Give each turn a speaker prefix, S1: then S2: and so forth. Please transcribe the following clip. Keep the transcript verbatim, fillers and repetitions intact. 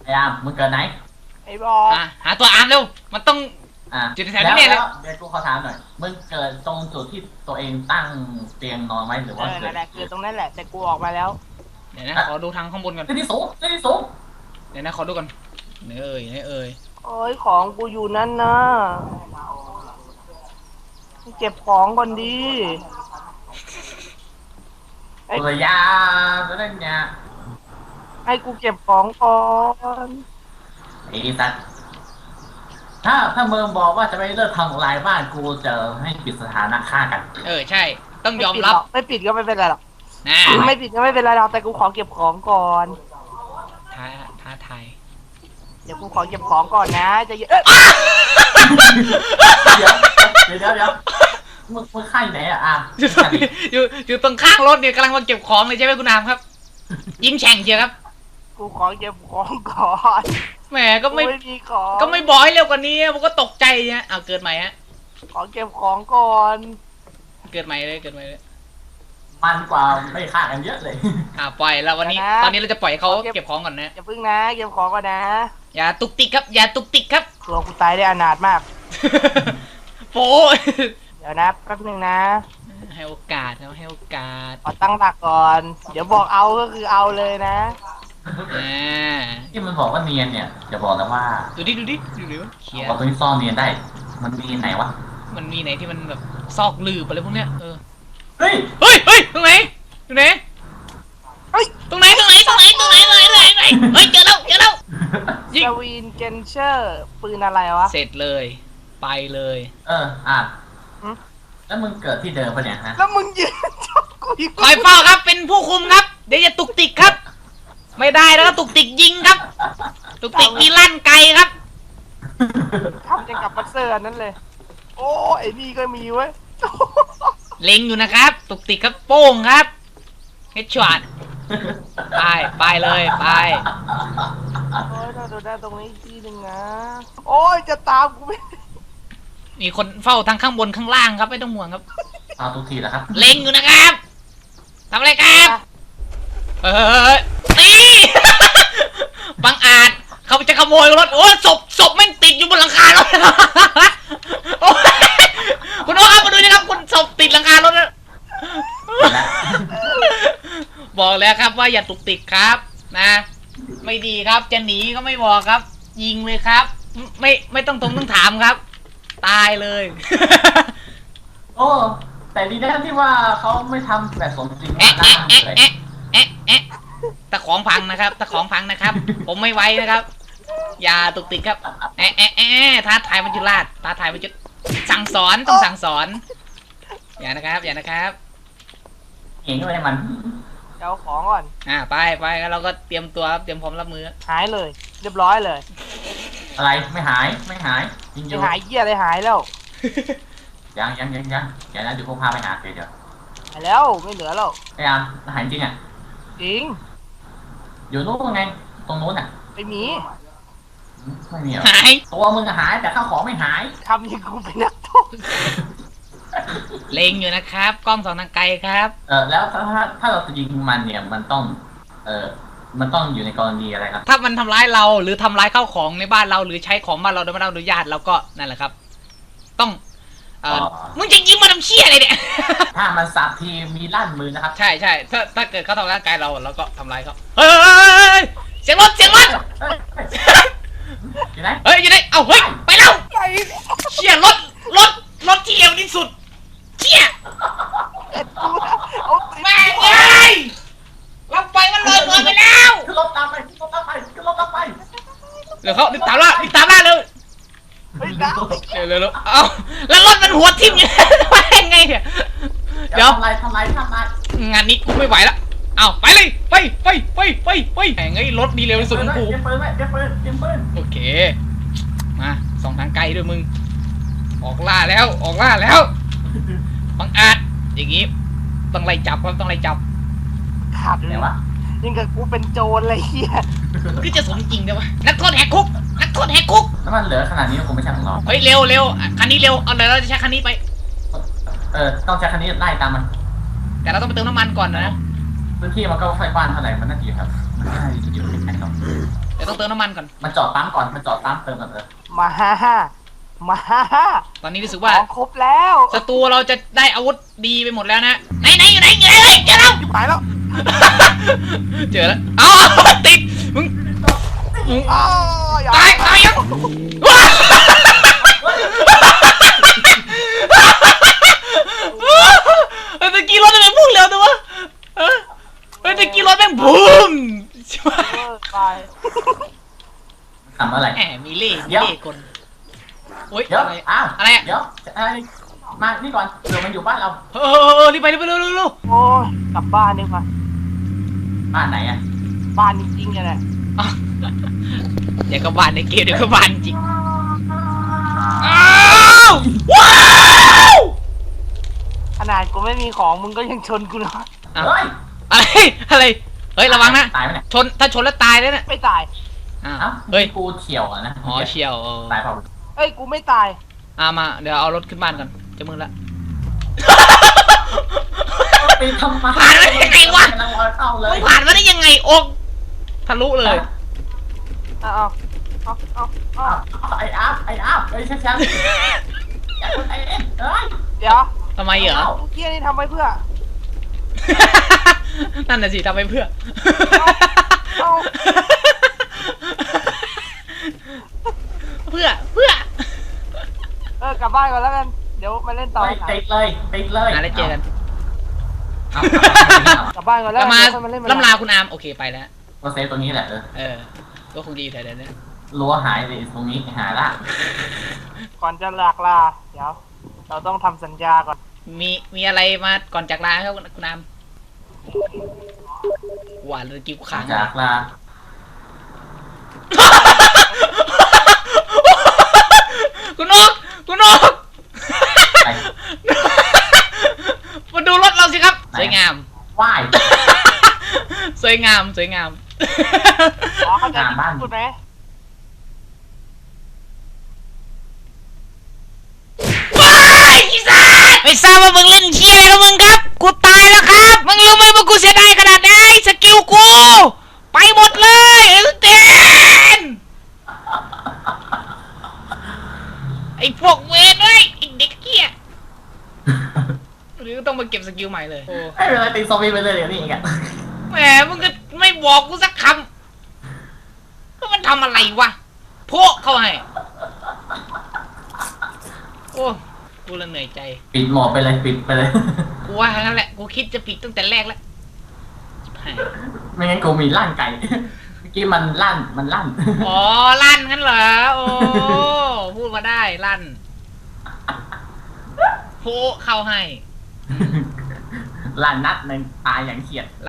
S1: ไอ้อามมึงเกิดไหน
S2: ไอ้บอ
S3: อ่ะหาตัวอาร์มเร็วมันต้อง
S1: อ่ะ
S3: จุดแถว
S1: แล้
S3: นี้
S1: ว
S3: เนี่ยเล
S1: แล้
S3: ยว
S1: เดี๋ยวกูขอถามหน่อยมึงเกิดตรงจุดที่ตัวเองตั้งเตียงนอนไว้หรือ
S2: เอ
S1: ว่า
S2: อ
S1: เกิ
S2: นั่
S1: ด
S2: นแหละคือตรงนั้นแหละแต่กูออกมาแล้ว
S3: เดี๋ยวนะขอดูทางข้างบนก่อน
S1: ที่ที่สูงที่ที่สูง
S3: เดี๋ยวนะขอดูก่อนเนื้อเอ่ยเนื้อเอ่ย
S2: โอ้ยของกูอยู่นั่นนะเก็บของก่อนดีไอ้
S1: เออยาตัวนั้นเนี่ย
S2: ให้กูเก็บของก่อน
S1: ไอ้สัตว์ถ้าถ้ามึงบอกว่าจะไม่เลิกทำลายบ้านกูจะให้ปิดสถานะฆ่ากัน
S3: เออใช่ต้องยอมรับ
S2: ไม่ปิดก็ไม่เป็นไรหรอก
S3: นะ
S2: ไม่ปิดก็ไม่เป็นไรหรอกแต่กูขอเก็บของก่อน
S3: ท้าท้าทาย
S2: เดี๋ยวกูขอเก็บของก่อนนะจะเอ้ย
S1: เดี๋ยวเดี๋ยวเดี๋ยวเดี๋ยวมึงมึงฆ่าอยู่ไหนอะอ่ะ
S3: อยู่ตรงนี้อยู่อยู่ตรงข้างรถเนี่ยกำลังมาเก็บของเลยใช่ไหมคุณอามครับ ยิงแฉ่งเชียวครับ
S2: กูขอเก็บของก่อน
S3: แหมก็ไม่
S2: กูไม่มีของ
S3: ก็ไม่บอกให้เร็วกว่านี้ผมก็ตกใจฮะเอาเกิดใหม่ฮะ
S2: ขอเก็บของก่อน
S3: เกิดใหม่เลยเกิดใหม่เลย
S1: มันกว่าไม่ฆ่ากันเยอะเลย
S3: อ่าปล่อยแล้ววันนี้ตอนนี้เราจะปล่อยให้เขาเก็บของก่อนนะ
S2: อย่าพึ่งนะเก็บของก่อนนะ
S3: อย่าตุกติกครับอย่าตุกติกครับ
S2: ตัวกูตายได้อนาถมาก
S3: โป้ย
S2: เดี๋ยวนะแป๊บนึงนะ
S3: ให้โอกาสครับให้โอกาส
S2: ขอตั้งหลักก่อน เดี๋ยวบอกเอาก็คือเอาเลยนะ
S3: อ่า
S1: ที่มันบอกว่าเนียนเนี่ยจะบอกแล้วว่า
S3: ดูดิดูดิดูดิวะเขียน
S1: บอกตรงนี้ซ่อนเนียนได้ มันมีไหนวะ
S3: มันมีไหนที่มันแบบซอกลืบอะไรพวกเนี้ยเออ
S1: เฮ้ย
S3: เฮ้ยเฮ้ยตรงไหนตรงไหน
S2: เฮ้ย
S3: ตรงไหนตรงไหนตรงไหนตรงไหนตรงไหนตรงไหนเฮ้ยเจอแล้วเจอแล้วยิง
S2: สวีนเกนเชอร์ปืนอะไรวะ
S3: เสร็จเลยไปเลย
S1: เอออ่ะ
S2: หืม
S1: แล้วมึงเกิดที่เดิมปะเนี่ยฮะ
S2: แล้วมึงยืนจ้องกูอีก
S3: คอยเฝ้าครับเป็นผู้คุมครับเดี๋ยวจะตุกติกครับ ไม่ได้แล้วก็ตุกติกยิงครับ ตุกติกมีลั่นไกลครับ
S2: ทำจะกับบัสเซอร์อันนั้นเลย โอ้ไอ้นี่ก็มีเว้ย
S3: เล็งอยู่นะครับ ตุกติกครับโป้งครับเฮดช็อตไปไปเลยไป
S2: โอ้ยเราดูได้ตรงนี้อีกทีหนึ่งนะ โอ้ยจะตามกูไม่
S3: มีคนเฝ้าทั้งข้างบนข้างล่างครับไม่ต้องห่วงครับ
S1: เอาทุกทีแล้วครับ
S3: เล็งอยู่นะครับทำอะไรครับเออตีบังอาจเขาจะขโมยรถโอ้ศพศพแม่งติดอยู่บนหลังคารถโอ้ยคุณโอ้ครับมาดูนะครับคุณศพติดหลังคารถนะบอกแล้วครับว่าอย่าตุกติกครับนะ ไม่ดีครับจะหนีก็ไม่บอกครับ ยิงเลยครับ ไม่ไม่ต้องตรงต้องถามครับ ตายเลย
S1: โอ้แต่ดีนะที่ว่าเขาไม่ทำแบบสมจริง
S3: แอะ
S1: นะ
S3: แอะแอะแอะแอะแอะตะของพังนะครับตะของพังนะครับ ผมไม่ไว้นะครับ อย่าตุกติกครับแอะแอะแอะท้าทายมันจุลาดท้าทายมันจุสั่งสอนต้องสั่งสอน อย่านะครับ อย่านะครับ
S1: เห็นไหมมัน
S2: จะเอาของก่อน
S3: อ่าไปไปแล้วเราก็เตรียมตัวครับเตรียมพร้อมรับมือ
S2: หายเลย เรียบร้อยเลย
S1: อะไรไม่หายไม่หายยิงอ
S2: จะ
S1: ยู่
S2: หายเหี้ยอะไรหายแล้ว
S1: ยังยังยังยังเดี๋ยวนะเดี๋ยวพวกพาไปหาเดี๋ยวเดี๋ยว
S2: หายแล้วไม่เหลือแล้ว
S1: ไอ้อามหายจริงอ่ะ
S2: จริง
S1: อยู่นู้นไงตรงนู้นอ่ะ
S2: ไม่มี
S1: ไม่มีหรอ
S3: หาย
S1: ตัวมึงหายแต่ข้าวของไม่หาย
S2: ทำอย่างกูเป็นนักโทษ
S3: เล็งอยู่นะครับ กล้องสองทางไกลครับ
S1: เออแล้วถ้าถ้าถ้าเราจะยิงมันเนี่ยมันต้อง เออมันต้องอยู่ในกรณีอะไรครับ
S3: ถ้ามันทำร้ายเราหรือทำร้ายข้าวของในบ้านเราหรือใช้ของบ้านเราโดยไม่ได้รับอนุญาตเราก็นั่นแหละครับ ต้องเออมึงจะยิงมาทำเชี่ยอะไรเนี่ย
S1: ถ้ามันสับทีมีลั่นมือนะครับ
S3: ใช่ใช่ถ้าถ้าเกิดเขาทำร้ายร่างกายเราเราก็ทำร้ายเขาเฮ้ยเสียงรถเสียงรถ
S1: เฮ้ยเฮ้ยอยู่ไหน
S3: เฮ้ยอยู่ไหนเอ้าเฮ้ยไปแล้วเชี่ยรถรถรถที่เร็วที่สุดเชี่ย
S2: เอ็ดกูนะเอาติด
S3: แม่งเอ้ยเราไปมันเลยเกินไปแล้ว
S1: ขึ้นรถตามไปขึ้นรถตามไปขึ้นรถตามไป
S3: เดี๋ยวเขาติดตามล่าติดตามล่าเลย
S2: เฮ้ยนะ
S3: เร็วเร็วเร็วเอ้าแล้วรถมันหัวทิ่มอยู่ไปยังไงเนี่ย
S1: เดี๋ยวทำไรทำไรทำไร
S3: งานนี้กูไม่ไหวแล้วเอาไปเลยไปไปไปไปไปแหงไอ้รถดีเร็วที่สุดของกู
S1: เตรียมปืนไว้เตรียมปืนเตรียมปืน
S3: โอเคมาสองทางไกลด้วยมึงออกล่าแล้วออกล่าแล้วบังอาจอย่างงี้ต้องไล่จับครับต้องไล่จับ
S2: ขาดเล
S1: ไหน
S2: ยว
S1: ะ
S2: ยังกับกูเป็นโจรเลยเฮีย
S3: คือจะสมจริงได้ปะนักโทษแหกคุกนักโทษแหกคุก
S1: น้ำมันเหลือขนาดนี้คงไม่ใช่ของเรา
S3: เฮ้ยเร็วเร็วคันนี้เร็วเอาเดี๋ยวเราจะใช้คันนี้ไป
S1: เออต้องใช้คันนี้ไล่ตามมัน
S3: แต่เราต้องไปเติมน้ำมันก่อนนะ
S1: พื้นที่มันก็ไฟกว้างเท่าไหร่มันน่าจะอยู่ครับมันน่าจะอยู่ในแผนเรา
S3: เอดี๋ยวต้องเติมน้ำมันก่อน
S1: มันจอดปั๊มก่อนมันจอดปั๊มเติมก่อนเออ
S2: มาฮ่าฮ่ามาฮ่าฮ่า
S3: ตอนนี้รู้สึก
S2: ข
S3: ว่า
S2: องครบแล้ว
S3: ศัตรูเราจะได้อาวุธดีไปหมดแล้วนะไหนไหนอยู่ไหนอยู่ไหนเฮ้ยเจอแล้ว
S2: ชิบหายแล้ว
S3: เจอแล้วเอ้าติดมึงมึง
S2: อ้าวอย่า
S3: ตายตายยังว้าวเฮ้ยตะกี้รถทำไมพุ่งเร็วจังวะเฮ้ยเฮ้ยตะกี้รถแม่งบูม
S2: เวอร์ตาย
S1: ทำอะไร
S3: แหมมีเล่มี
S1: เดี๋ยว
S3: เล่คนโอ๊ย
S1: เดี๋ยว
S3: อะไร
S1: อ้าว
S3: อะไรอะ
S1: เดี๋ยวอะไรมานี่ก่อนเดี๋ยวมันอยู่บ้านเรา
S3: เออเออเออรีบไปรีบไปเร็วเร็วเร็ว
S2: โอ้ยกลับบ้านดีกว่า
S1: บ้านไหนอ่ะ
S2: บ้านจริงๆเนี่ยแหละ
S3: อ่ะเดี๋ยวก็บานในเกมเดี๋ยวก็บานจริงอ้าวว้าว
S2: ขนาดกูไม่มีของมึงก็ยังชนกูเลย
S3: อ้าว
S1: เฮ้ย
S3: อะไรอะไรเฮ้ยระวังนะ
S1: ตายไหมเนี่ย
S3: ชนถ้าชนแล้วตายเลยนะ
S2: ไม่ตาย
S3: อ้าว
S1: เอ้า
S3: เฮ้ย
S1: กูเฉียวอ่ะนะ
S3: อ๋อเชียวเออ
S1: ตายเปล่า
S2: เอ้ยกูไม่ตาย
S3: อ่ามาเดี๋ยวเอารถขึ้นบ้านก่อนจะมือละ
S1: ไปทำไม
S3: ผ่านมาได้ยังไงวะ
S1: กำลังรอเข้าเล
S3: มึ
S1: ย
S3: งผ่านมาได้ยังไงอกทะลุเลย
S2: เอาเอาเอาเอาเอา
S1: เอาไอ้อัพไอ้อัพไอ้ยช้าๆอย่าคนไอ้เอ็นเอ้ย
S2: เดี๋ยว
S3: ทำไมเหรอ
S1: เอา
S2: เมื่อกี้นี่ทำไว้เพื่อ
S3: นั่นน่ะสิทำไปเพื่อ
S2: เอา
S3: เพื่อเพื่อ
S2: เออกลับบ้านก่อนแล้วกัน เดี๋ยวมาเล่นต่อ
S1: ไปติดเลยติดเลย
S3: อ่ะแล้วเจอกัน
S1: เอา
S2: กลับบ้านก่อนแล้
S3: แล้ว วมา
S2: เดี๋ยวค่อยมาเล่นใหม่
S3: ล่ำลาคุณอามโอเคไปแล้ว
S1: ก็เซฟตรงนี้แหละเออ
S3: เออก็คงดีอยู่แถวๆนี้
S1: รั้วหายเลยตรงนี้หายละ
S2: ก่อนจะหลากลา เดี๋ยว เราต้องทำสัญญาก่อน
S3: มีมีอะไรมาก่อนจากลาครับคุณอามหวานเลยกิ้วค้าง
S1: จากลา
S3: คุณนกคุณนก
S1: ไป
S3: มาดูรถเราสิครับ
S1: ไหน
S3: สวยงาม
S1: ว่าย
S3: สวยงามสวยงาม
S2: อ๋อเข้าใจ
S1: งานบ้าน
S2: พูดไหม
S3: ว้ายอีสานไม่ทราบว่ามึงเล่นเชี่ยอะไรกับมึงครับ กูตายแล้วครับ มึงรู้ไหมว่ากูเสียดายขนาดไหนสกิลกู ไปหมดเลยเอสเตนไอ้พวกเวรเอ้ยไอ้เด็กเกี้ยหรือต้องมาเก็บสกิลใหม่เลย
S1: ไม่เป็นไรตีซอมบี้ไปเลยเดี๋ยวนี้กัน
S3: แหมมึงก็ไม่บอกกูสักคำก็มันทำอะไรวะโพะเข้าให้โอ้กูละเหนื่อยใจ
S1: ปิดหมอไปเลยปิดไปเลย
S3: กูว่างั้นแหละ กูคิดจะปิดตั้งแต่แรกแล้วชิบหาย
S1: ไม่งั้นกูมีลั่นไก่เมื่อกี้มันลั่นมันลั่น
S3: อ๋อ ลั่นงั้นเหรอ โอ้ พูดมาได้ ลั่นโพะเข้าให้
S1: ลั่นนัดหนึ่งตายอย่างเฉียด